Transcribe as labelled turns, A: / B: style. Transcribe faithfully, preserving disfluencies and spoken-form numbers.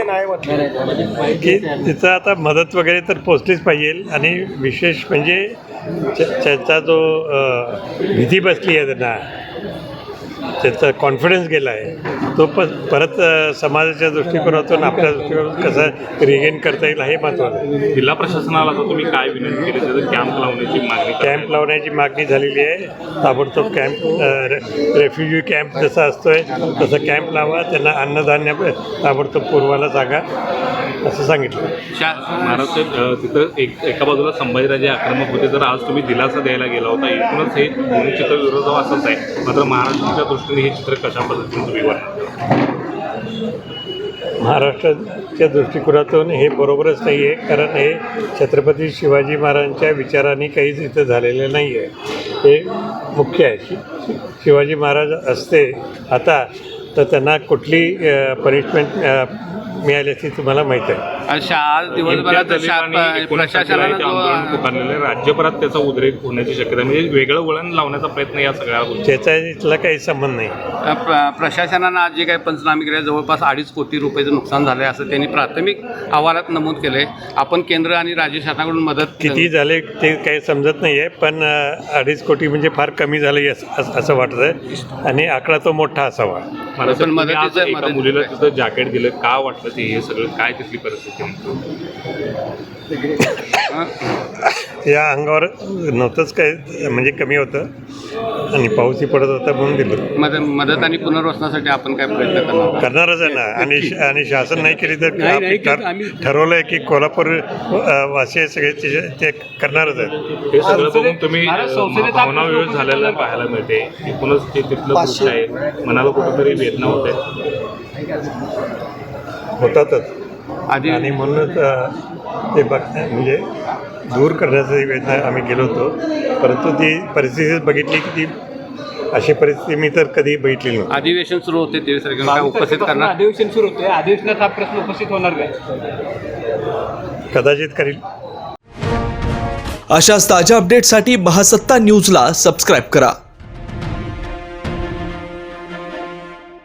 A: नाही म्हटलं
B: की तिथं आता मदत वगैरे तर पोचलीच पाहिजे आणि विशेष म्हणजे त्याचा जो भीती बसली आहे त्यांना, त्याचा कॉन्फिडन्स गेला आहे, तो पण परत समाजाच्या दृष्टिकोनातून आपल्या दृष्टिकोनातून कसं रिगेन करता येईल हे महत्त्वाचं आहे.
C: जिल्हा प्रशासनाला तर तुम्ही काय विनंती केली त्याचं कॅम्प लावण्याची मागणी
B: कॅम्प लावण्याची मागणी झालेली आहे. ताबडतोब कॅम्प रेफ्युजी कॅम्प जसा असतो आहे तसं कॅम्प लावा, त्यांना अन्नधान्य ताबडतोब पुरवायला सांगा असं सांगितलं.
C: महाराष्ट्र तिथं एक एका बाजूला संभाजीराजे आक्रमक होते, तर आज तुम्ही दिलासा द्यायला गेला होता. एकूणच हे दोन्ही चित्र विरोधाभासच आहे. मात्र महाराष्ट्राच्या दृष्टीने हे चित्र कशा पद्धतीने तुम्ही वर्णन
B: महाराष्ट्राच्या दृष्टिकोनातून हे बरोबरच नाही आहे, कारण हे छत्रपती शिवाजी महाराजांच्या विचारांनी काहीच इथं झालेलं नाही आहे. हे मुख्य आहे. शि शिवाजी महाराज असते आता तर त्यांना कुठली पनिशमेंट मिळाली असती तुम्हाला माहीत आहे.
D: आज दिवसभरात
C: आंदोलन पुकारलेलं आहे. राज्यभरात त्याचा उद्रेक होण्याची शक्यता, म्हणजे वेगळं वळण लावण्याचा प्रयत्न या सगळ्या गोष्टी.
B: त्याचा इथला काही संबंध नाही.
D: प्रशासनानं आज जे काही पंचनामे केले जवळपास अडीच कोटी रुपयाचं नुकसान झालं आहे असं त्यांनी प्राथमिक अहवालात नमूद केलं आहे. आपण केंद्र आणि राज्य शासनाकडून मदत
B: किती झाले ते काही समजत नाही आहे, पण अडीच कोटी म्हणजे फार कमी झालं असं असं वाटतं आहे आणि आकडा तो मोठा असावा.
D: पण मदतीचं
C: एका मुलीला तिथं जॅकेट दिलं, का वाटलं ते हे सगळं काय तिथली परिस्थिती?
B: या अंगावर नव्हतंच काय, म्हणजे कमी होतं आणि पाऊसही पडत होता म्हणून दिलं.
D: मदत मदत आणि पुनर्वसनासाठी आपण काय प्रयत्न करणार
B: करणारच आहे ना. आणि आणि शासन नाही केली तर ठरवलं आहे की कोल्हापूर वासी सगळे ते करणारच आहेत.
C: हे सगळं बघून तुम्ही भावनाविरोध झालेला पाहायला मिळते. एकूणच ते तिथलं दृश्य आहे, मनाला कुठंतरी वेदना होत आहे.
B: होतातच
D: आधी
B: आणि म्हणूनच ते बघ म्हणजे दूर करण्याचा वेदना आम्ही गेलो होतो, परंतु ती परिस्थिती बघितली की ती अशी परिस्थिती मी तर कधी बघितली नव्हती.
D: अधिवेशन सुरू होते तेवीस तारखेला उपस्थित करणार.
A: अधिवेशन सुरू होते, अधिवेशनात हा प्रश्न उपस्थित होणार काय?
B: कदाचित करील.
E: अशाच ताज्या अपडेटसाठी महासत्ता न्यूजला सबस्क्राईब करा.